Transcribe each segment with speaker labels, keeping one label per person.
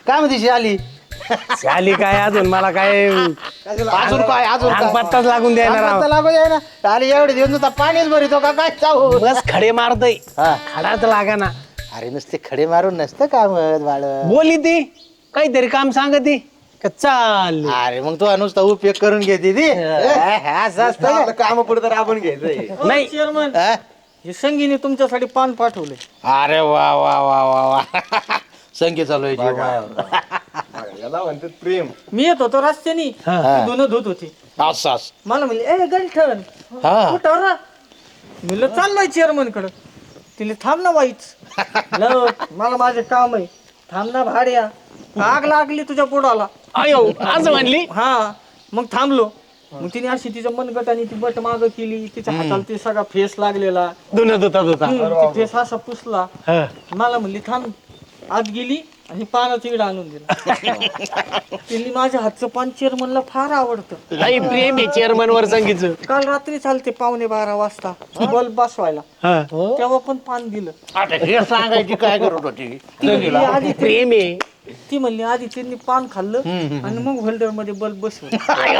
Speaker 1: काय म्हणते आली
Speaker 2: शाली काय अजून मला काय
Speaker 1: अजून काय
Speaker 2: पत्ताच लागून द्यायला राव.
Speaker 1: लागू द्या ना आली एवढे दिवस नुसता पाणीच भरितो का काय चाहू
Speaker 2: बस खडे मारतय
Speaker 1: हा.
Speaker 2: खडाच लागा ना.
Speaker 1: अरे नुसते खडे मारून नसतं काम बाळ
Speaker 2: बोली ती काहीतरी काम सांगती का चाल.
Speaker 1: अरे मग तू नुसता उपयोग करून घेते ती असं असतं
Speaker 3: काम पुढे तर आपण घ्यायचंय.
Speaker 2: नाही
Speaker 4: चेअरमन
Speaker 1: का?
Speaker 4: हे संगीने तुमच्यासाठी पान पाठवले.
Speaker 1: अरे वा वा वा वा वा संख्या चालू आहे जीव मायावर.
Speaker 3: याला म्हणतात प्रेम.
Speaker 4: मी येत होतो रस्त्यानी
Speaker 1: हा.
Speaker 4: धुणं धुत होती.
Speaker 1: असं
Speaker 4: मला म्हणले ए गंठन
Speaker 1: हा.
Speaker 4: कुठं रा म्हणलं चाललोय चेअरमन कडं. तिला थांब ना वाईच मला माझे काम आहे. थांब ना भाड्या आग लागली तुझ्या पोटाला.
Speaker 2: अयो असं म्हणली.
Speaker 4: हा मग थांबलो. मग तिने अशी तिच्या मनगटाने ती बट माग केली. तिच्या हाताला ते सगळा फेस लागलेला.
Speaker 2: धुणं धुता
Speaker 4: ती फेस असा पुसला. मला म्हणली थांब. आत गेली आणि पानाचं इडा आणून दिला. तिने माझ्या हातचं पान चेअरमनला फार आवडतं.
Speaker 2: लई प्रेम आहे चेअरमन वर संगीचं.
Speaker 4: काल रात्री चालते 11:15 वाजता बल्ब बसवायला. तेव्हा पण पान दिलं.
Speaker 1: आता हे सांगायची काय करत होती
Speaker 4: ती म्हणली आधी
Speaker 2: प्रेम आहे.
Speaker 4: ती म्हणली आधी त्यांनी पान खाल्लं आणि मग होल्डर मध्ये बल्ब बसवलं.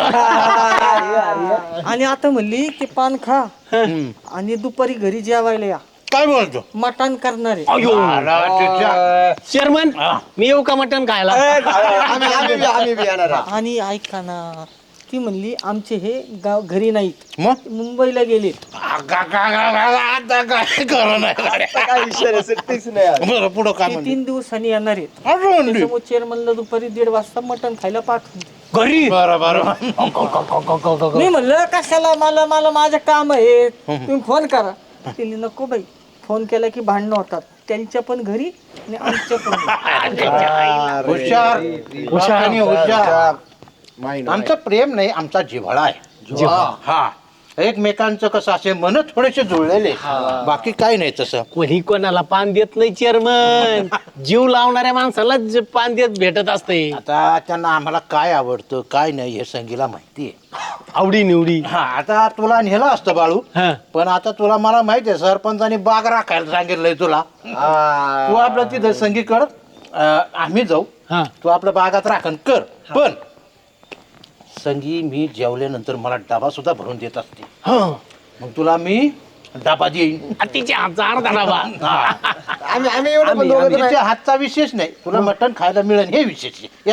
Speaker 4: आणि आता म्हणली की पान खा आणि दुपारी घरी जेवायला या.
Speaker 1: काय बोलतो
Speaker 4: मटण करणार आहे.
Speaker 2: चेअरमन मी येऊ का मटण खायला.
Speaker 3: आम्ही बी येणार आहोत.
Speaker 4: आणि ऐका ना ती म्हणली आमचे हे गाव घरी नाहीत
Speaker 1: मग
Speaker 4: मुंबईला गेलेत.
Speaker 1: आता काय करू नाही
Speaker 3: काय विषय नाही, सुट्टीच नाही आज.
Speaker 1: बरं पुढं काय
Speaker 4: ते
Speaker 1: म्हणते
Speaker 4: 3 दिवसांनी येणार आहेत.
Speaker 1: अजून
Speaker 4: त्याच्यामुळे चेअरमनला दुपारी 1:30 वाजता मटण खायला पाठवून दे.
Speaker 2: घरी
Speaker 1: बरं बरं
Speaker 4: मी म्हणलं कशाला मला मला माझं काम आहे तुम्ही फोन करा. तिने नको बाई फोन केला की भांडणं होतात त्यांच्या पण घरी आणि आमच्या पण घरी.
Speaker 1: हुशार हुशार आणि हुशार आमचं प्रेम नाही आमचा जिव्हाळा आहे. हा एकमेकांचं कसं असे मन थोडेसे जुळलेले बाकी काही नाही तसं.
Speaker 2: कोणी कोणाला पान देत नाही चेअरमन. जीव लावणाऱ्या माणसाला पान देत भेटत असते.
Speaker 1: आता त्यांना आम्हाला काय आवडतं काय नाही हे संगीला माहिती आहे.
Speaker 2: आवडी निवडी.
Speaker 1: हा आता तुला नेलं असतं बाळू पण आता तुला मला माहिती आहे सरपंचानी बाग राखायला सांगितलंय तुला. तू आपलं तिथं संगीकडं आम्ही जाऊ तू आपलं बागात राखण कर. पण संगी मी जेवल्यानंतर मला डबा सुद्धा भरून देत असते. मग तुला मी डबा देईन.
Speaker 2: तिच्या हातचा अर्धा डबा.
Speaker 3: आम्ही एवढं पण दोघं तर नाही.
Speaker 1: तिच्या हातचा विशेष नाही तुला मटण खायला मिळेल हे विशेष आहे.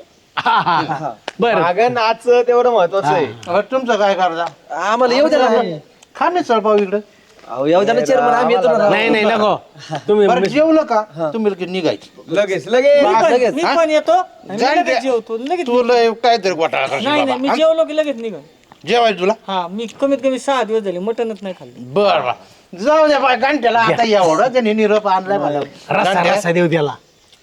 Speaker 2: बर
Speaker 3: मागं नाच तेवढं महत्वाचं आहे.
Speaker 1: तुमचं काय करता
Speaker 3: आम्हाला येऊ द्या ना.
Speaker 1: खा नाही चळपाव इकडं.
Speaker 3: अहो, येऊ द्या ना चेअरमन, आम्ही येतो ना.
Speaker 2: नाही नाही नको तुम्ही.
Speaker 1: बरं जेवलं का तुम्ही लगेच निघायचं.
Speaker 3: लगेच लगेच
Speaker 4: मी पण येतो आणि
Speaker 1: जाण
Speaker 4: लगेच
Speaker 1: द्या.
Speaker 4: जेवतो लगेच.
Speaker 1: तुला काहीतरी घोटाळा करशील
Speaker 4: नाही नाही मी
Speaker 1: बाबा.
Speaker 4: जेवलो की लगेच निघाल.
Speaker 1: जेवायचं तुला
Speaker 4: हा मी कमीत कमी 6 दिवस झाले मटणच नाही खाल्लं.
Speaker 1: बर जाऊ द्या बाय घंट्याला आता एवढं त्याने निरोप आणलाय मला.
Speaker 2: रस्सा
Speaker 1: घंट्या-
Speaker 2: रस्सा देऊ त्याला.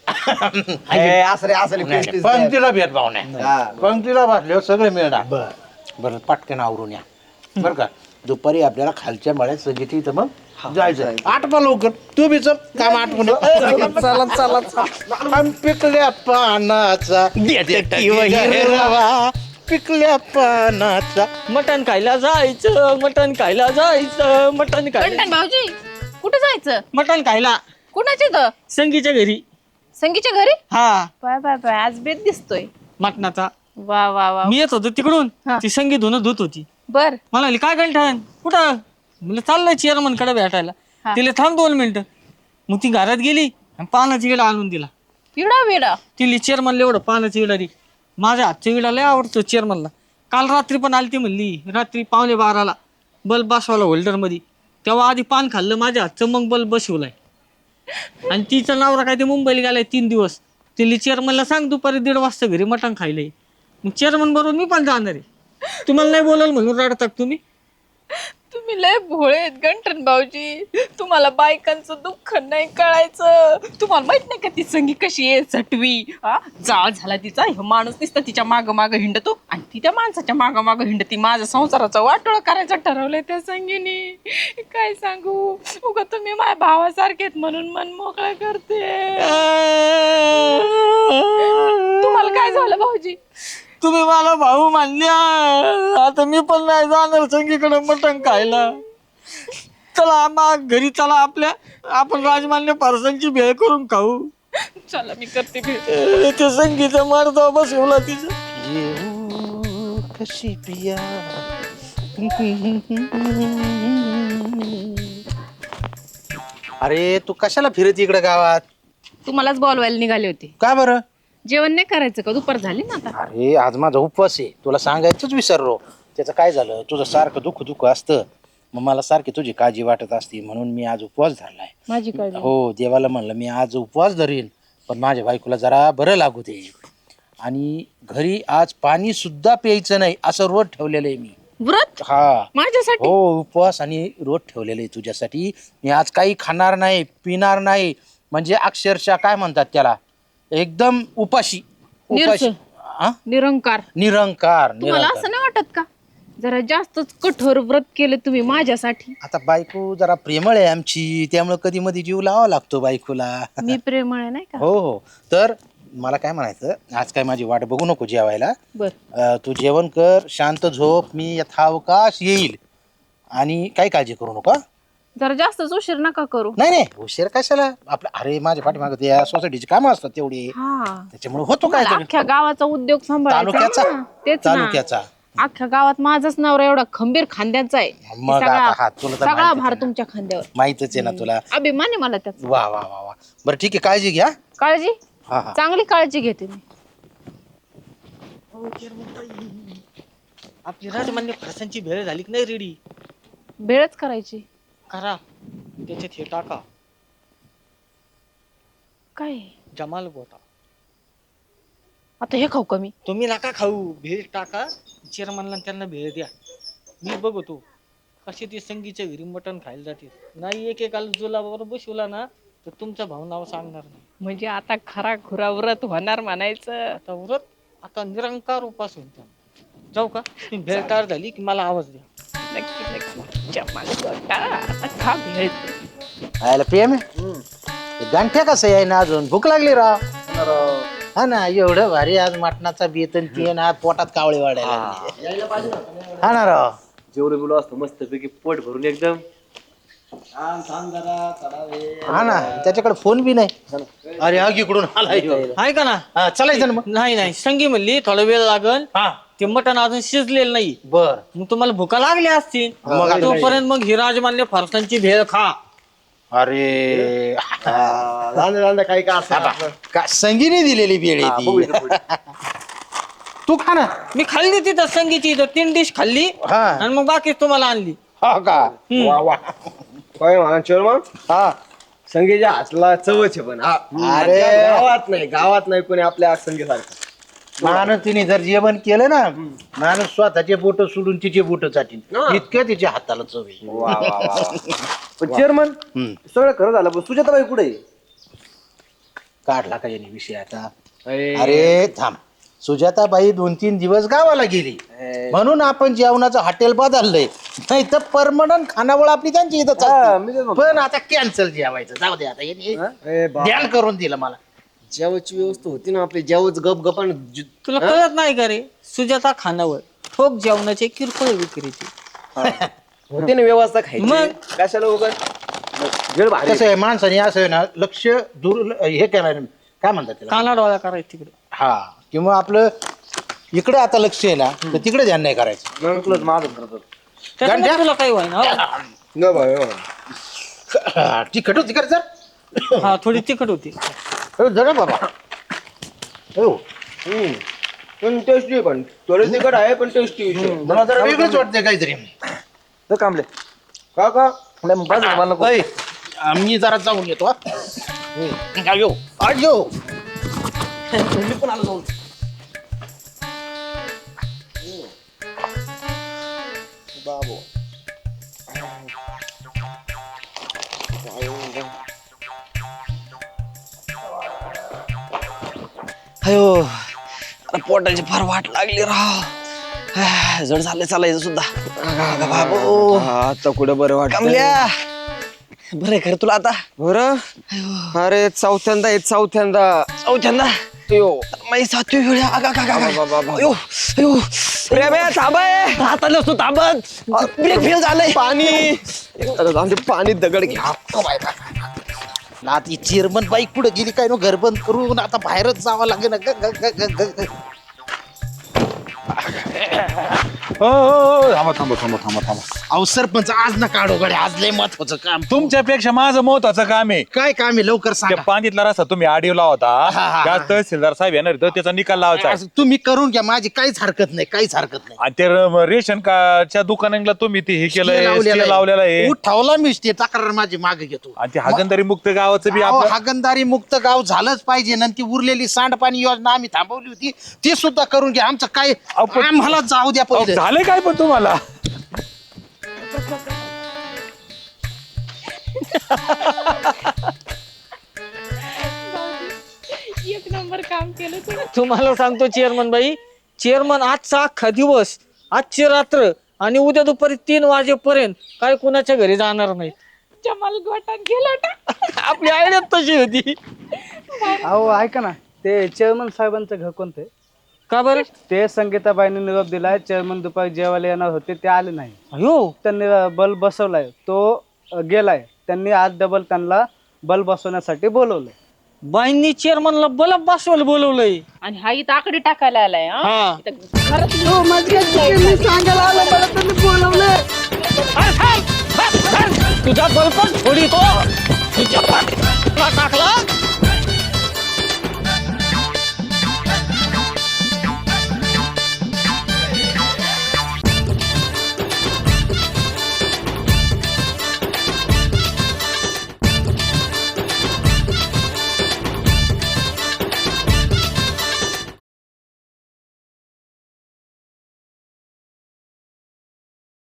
Speaker 3: असले
Speaker 1: पंक्तीला भेदभाव नाही पंक्तीला बसल्यावर सगळे मिळणार. बरं पटकन आवरून या बरं का. दुपारी आपल्याला खालच्या मळ्यात सगळी इथं मग जायचं. आठवा लवकर तू बी चल काम आठवून
Speaker 4: चला चला
Speaker 1: पिकल्या पानाचा हिरवा पिकल्या पानाचा.
Speaker 4: मटण खायला जायचं मटण खायला जायचं मटण खायला
Speaker 5: गंठन भाऊजी कुठे जायचं?
Speaker 4: मटण खायला
Speaker 5: कुणाच्या इथं?
Speaker 4: संगीच्या घरी.
Speaker 5: संगीच्या घरी?
Speaker 4: हा
Speaker 5: बाय बाय बाय आज बेत दिसतोय.
Speaker 4: मटणाचा.
Speaker 5: वा वा वा.
Speaker 4: मी येत होतो तिकडून
Speaker 5: हा.
Speaker 4: ती संगी धुणं धुत होती.
Speaker 5: बर
Speaker 4: म्हणाली काय गंठन कुठं म्हणलं चाललंय चेअरमन कडे भेटायला.
Speaker 5: हा.
Speaker 4: तिला थांब 2 मिनिटं. मग ती घरात गेली आणि पानाचा इडा आणून दिला.
Speaker 5: पिडा बिडा.
Speaker 4: तिला चेअरमनला एवढं पानाचा इडा दे. माझ्या हातचा इडा लय आवडतो चेअरमनला. काल रात्री पण आली ती म्हणली रात्री 11:15 बल्ब बसवला होल्डर मध्ये. तेव्हा आधी पान खाल्लं माझ्या हातचं मग बल्ब बसवलाय. आणि तिचा नवरा काय ते मुंबईला गेलाय 3 दिवस. तिला चेअरमनला सांग दुपारी 1:30 वाजता घरी मटण खायलंय. मग चेअरमन बरोबर मी पण जाणार आहे. तुम्हाला नाही बोलाल म्हणून रडतात तुम्ही.
Speaker 5: तुम्ही लय भोळे आहेत गंठन भाऊजी. तुम्हाला बायकांचं दुःख नाही कळायचं. तुम्हाला माहित नाही का ती संगी कशी आहे सटवी. जाळ झाला तिचा. हे माणूस नुसतं तिच्या माग माग हिंडतो आणि ती त्या माणसाच्या माग माग हिंडती. माझ्या संसाराचं वाटोळ करायचं ठरवलंय त्या संगीने. काय सांगू उगा तुम्ही माझ्या भावासारखे आहेत म्हणून मन मोकळं करते. तुम्हाला काय झालं भाऊजी?
Speaker 4: तुम्ही मला भाऊ मानल्या. आता मी पण नाही जाणार संगीकडे मटण खायला. चला घरी चला आपल्या आपण राजमान्य पारसांची भेळ करून खाऊ.
Speaker 5: चला मी करते भेट.
Speaker 4: ते संगीचा मारतो बसवला तिचं.
Speaker 1: येऊ कशी पिया. अरे तू कशाला फिरत इकडे गावात?
Speaker 5: तुम्हालाच बोलवायला निघाले होते.
Speaker 1: का बरं?
Speaker 5: जेवण नाही करायचं का? दुपार झाली ना आता.
Speaker 1: अरे आज माझा उपवास आहे, तुला सांगायचंच विसरलो. त्याचं काय झालं, तुझं सारखं दुःख असतं, मग मला सारखी तुझी काळजी वाटत असती, म्हणून मी आज उपवास धरलाय.
Speaker 5: माझी काळजी.
Speaker 1: हो, देवाला म्हणलं मी आज उपवास धरीन, पण माझ्या बायकोला जरा बरं लागू दे. आणि घरी आज पाणी सुद्धा प्यायचं नाही असं रोज ठेवलेलं आहे मी.
Speaker 5: व्रत
Speaker 1: हा
Speaker 5: माझ्यासाठी?
Speaker 1: हो, उपवास आणि रोज ठेवलेलं आहे तुझ्यासाठी. मी आज काही खाणार नाही, पिणार नाही, म्हणजे अक्षरशः काय म्हणतात त्याला, एकदम उपाशी. उपाशी. हा?
Speaker 5: निरंकार.
Speaker 1: निरंकार.
Speaker 5: तुम्हाला असं नाही वाटत का जरा जास्तच कठोर व्रत केलं तुम्ही माझ्यासाठी?
Speaker 1: आता बायको जरा प्रेमळ आहे आमची, त्यामुळे कधी मध्ये जीव लावा लागतो बायकोला.
Speaker 5: मी प्रेमळ आहे नाही का?
Speaker 1: हो हो. तर मला काय म्हणायचं, आज काय माझी वाट बघू नको जेवायला.
Speaker 5: बर.
Speaker 1: तू जेवण कर, शांत झोप, मी यथावकाश येईल. आणि काही काळजी करू नका.
Speaker 5: जरा जास्तच उशीर नका करू.
Speaker 1: नाही नाही, उशीर कशाला आपलं. अरे माझ्या पाठीमागं ते सोसायटीची कामं असतात तेवढी,
Speaker 5: हा,
Speaker 1: त्याच्यामुळे होतो काय
Speaker 5: मला अख्ख्या गावाचा उद्योग सांभाळायचा
Speaker 1: तालुक्याचा.
Speaker 5: आहे ना. तेच ना.
Speaker 1: तालुक्याचा.
Speaker 5: अख्ख्या गावात माझाच नवरा एवढा खंबीर खांद्याचा आहे.
Speaker 1: मग
Speaker 5: सगळा
Speaker 1: आता हा, तुला तर
Speaker 5: सगळा
Speaker 1: माहितीच
Speaker 5: भार
Speaker 1: आहे ना.
Speaker 5: तुमच्या खांद्यावर.
Speaker 1: माहितच आहे ना तुला.
Speaker 5: अभिमान आहे मला त्याचा.
Speaker 1: वा वा वा वा. बरं ठीक आहे, काळजी घ्या.
Speaker 5: काळजी
Speaker 1: हा हा.
Speaker 5: चांगली काळजी घेते मी.
Speaker 4: आपली राजमान्य फरसांची भेळ झाली की नाही रेडी?
Speaker 5: भेळच करायची.
Speaker 4: करा, त्याच्यात हे टाका,
Speaker 5: काय
Speaker 4: जमाल गोटा.
Speaker 5: आता हे खाऊ कमी?
Speaker 4: तुम्ही नका खाऊ, भेळ टाका, चेअरमनला त्यांना भेळ द्या. मी बघतो कशी ते संगीच्या घरी मटण खायला जाते. नाही एकेकाला जुलाबावर बसवला ना तर तुमचा भाऊ नाव सांगणार नाही.
Speaker 5: म्हणजे आता खरा खुरा व्रत होणार म्हणायचं.
Speaker 4: आता व्रत, आता निरंकार उपास होईल त्यांना. जाऊ का? तुम्ही भेळ तयार झाली की मला आवाज द्या.
Speaker 5: नक्की नक्की. जमाल गोटा. आता खा भेळ.
Speaker 1: आयला प्रेम गांठ्या कसं आहे ना, अजून भूक लागली राव. हा ना, एवढं भारी आज मटणाचा बेतन ते ना, पोटात कावळे वाढायला लागले. हा ना राव.
Speaker 3: जेवढं बिलो असतं मस्त पैकी पोट भरून एकदम.
Speaker 1: हा ना, त्याच्याकडे फोन बी नाही. अरे हा इकडून आला ह्यो.
Speaker 4: आहे का ना?
Speaker 1: हा, चालायचं ना मग.
Speaker 4: नाही नाही, संगी म्हणली थोडा वेळ लागल,
Speaker 1: हा
Speaker 4: ते मटण अजून शिजलेलं नाही.
Speaker 1: बर.
Speaker 4: मग तुम्हाला भुका लागल्या असतील,
Speaker 1: मग आता
Speaker 4: तोपर्यंत मग ही राजमान्य फरसांची भेळ खा.
Speaker 1: अरे
Speaker 3: काही का असं
Speaker 1: का संगीने दिलेली बेळ आहे ती. तू खा ना.
Speaker 4: मी खाल्ली तिथं संगीची, इथं 3 डिश खाल्ली
Speaker 1: हा.
Speaker 4: आणि मग बाकी तुम्हाला आणली.
Speaker 1: हा का. वा वा.
Speaker 3: काय म्हणा चोरमा, हा संगीच्या हातला चवच आहे. पण हा,
Speaker 1: अरे.
Speaker 3: गावात नाही कोणी आपल्या संगीसारखं.
Speaker 1: माणूस तिने जर जेवण केलं ना, माणूस स्वतःचे बोट सोडून तिचे बोट चाटीन, इतक्या तिच्या हाताला चव आहे.
Speaker 3: पण चेअरमन सगळं खरं झालं, पण सुजाताबाई कुठे आहे?
Speaker 1: काढला का याने विषय आता. अरे थांब, सुजाताबाई 2-3 दिवस गावाला गेली म्हणून आपण जेवणाचं हॉटेल बदललंय, नाही तर परमनंट खानावळ आपली त्यांची इथं चालते. पण आता कॅन्सल जेवायचं, जाऊ दे आता. याने ध्यान करून दिलं मला.
Speaker 3: जेवायची व्यवस्था होती ना आपली, जेवच गप गपान
Speaker 4: तुला कळत नाही का रे? सुजाता खानावर ठोक जेवणाचे किरकोळ विक्रीचे
Speaker 3: होती ना व्यवस्था खायची.
Speaker 4: मग?
Speaker 3: कशाला उगाच वेळ भारी.
Speaker 1: कसं आहे, माणसाने असं आहे ना, लक्ष दूर हे केलं, काय म्हणतात त्याला,
Speaker 4: काना डोळा करायचं तिकडे.
Speaker 1: हा, किंवा आपलं इकडे आता लक्ष आहे ना, तर तिकडे ध्यान नाही करायचं.
Speaker 3: मग तुलाच माझं करतो.
Speaker 4: त्याच्यामुळे तुला काही व्हायना.
Speaker 3: न भाई
Speaker 1: तिखट होती कर जर.
Speaker 4: हा, थोडी तिखट होती.
Speaker 1: जरा बाबा. हो,
Speaker 3: पण टेस्टी आहे, पण थोडं तिखट आहे पण टेस्टी.
Speaker 1: मला जरा वेगळंच वाटतंय काहीतरी.
Speaker 3: तर कांबले का का मला नको.
Speaker 1: ऐ, मी जरा जाऊन येतो. हा. येऊ आज येऊ.
Speaker 3: मी पण आलो जाऊन. बाबू
Speaker 6: अयो, आता पोटाची फार वाट लागली राव. जड झालं चालायचं सुद्धा. बाबू
Speaker 3: आता कुठं बरं वाटत
Speaker 6: कमल्या, बरं खरं तुला आता?
Speaker 3: बरं. अरे चौथ्यांदा
Speaker 6: चौथ्यांदा माझी 7वी वेळ. अयो अयो,
Speaker 3: प्रेम्या थांबाय.
Speaker 6: राहता नसतो ताबत, ब्रेक फेल झालंय.
Speaker 3: पाणी पाणी दगड घ्या.
Speaker 1: आता चेअरमन बाई कुठे गेली काय नो घर बंद करून आता बाहेरच जावं लागेल
Speaker 7: थांबा.
Speaker 1: अहो सरपंच आज ना काढो गड्या, आज लय महत्वाचं काम.
Speaker 7: तुमच्यापेक्षा माझं महत्वाचं काम आहे.
Speaker 1: काय काम आहे लवकर
Speaker 7: त्या
Speaker 1: सांगा.
Speaker 7: पांदितला रस्ता तुम्ही आडिओला होता, त्या तहसीलदार साहेब येणार तर त्याचा निकाल लावायचा आहे.
Speaker 1: असं तुम्ही करून घ्या, माझी काहीच हरकत नाही, काहीच हरकत नाही.
Speaker 7: आणि ते रेशन कार्डच्या दुकानांना तुम्ही ते हे केलंय,
Speaker 1: लावलेलं
Speaker 7: stay लावलेला आहे.
Speaker 1: उठावला मी ते तक्रार माझी मागे घेतो.
Speaker 7: आणि ते हागणदारी मुक्त गावाचं बी
Speaker 1: अहो,
Speaker 7: आपलं
Speaker 1: हागणदारी मुक्त गाव झालंच पाहिजे. नंतर उरलेली सांडपाणी योजना आम्ही थांबवली होती ती सुद्धा करून घ्या. आमचं काय आम्हाला जाऊ द्या
Speaker 7: अहो,
Speaker 1: पहिले.
Speaker 7: झालंय काय पण तुम्हाला
Speaker 5: एक नंबर काम केलं तुम्ही.
Speaker 4: तुम्हाला सांगतो चेअरमन बाई, चेअरमन आजचा अख्खा दिवस, आजची रात्र आणि उद्या दुपारी 3 वाजेपर्यंत काय कुणाच्या घरी जाणार नाही.
Speaker 5: जमाल गोटात गेला होता.
Speaker 4: आपली आयडिया तशी होती.
Speaker 8: अहो ऐका ना, ते चेअरमन साहेबांचं घर कोणतं आहे?
Speaker 4: का बरं?
Speaker 8: ते संगीताबाईंनी निरोप दिलाय, चेअरमन दुपारी जेवायला येणार होते, ते आले नाही.
Speaker 4: अयो,
Speaker 8: त्यांनी बल्ब बसवलाय, तो गेलाय. त्यांनी आज डबल त्यांना बल्ब बसवण्यासाठी बोलवलंय.
Speaker 4: बाईंनी चेअरमनला बलब बसवायला बोलवलंय.
Speaker 5: आणि हा इथं आकडे टाकायला आलाय हा.
Speaker 4: हा.
Speaker 5: इथं घरात
Speaker 4: तुझा बल्ब थोडी तो तुझ्या टाकला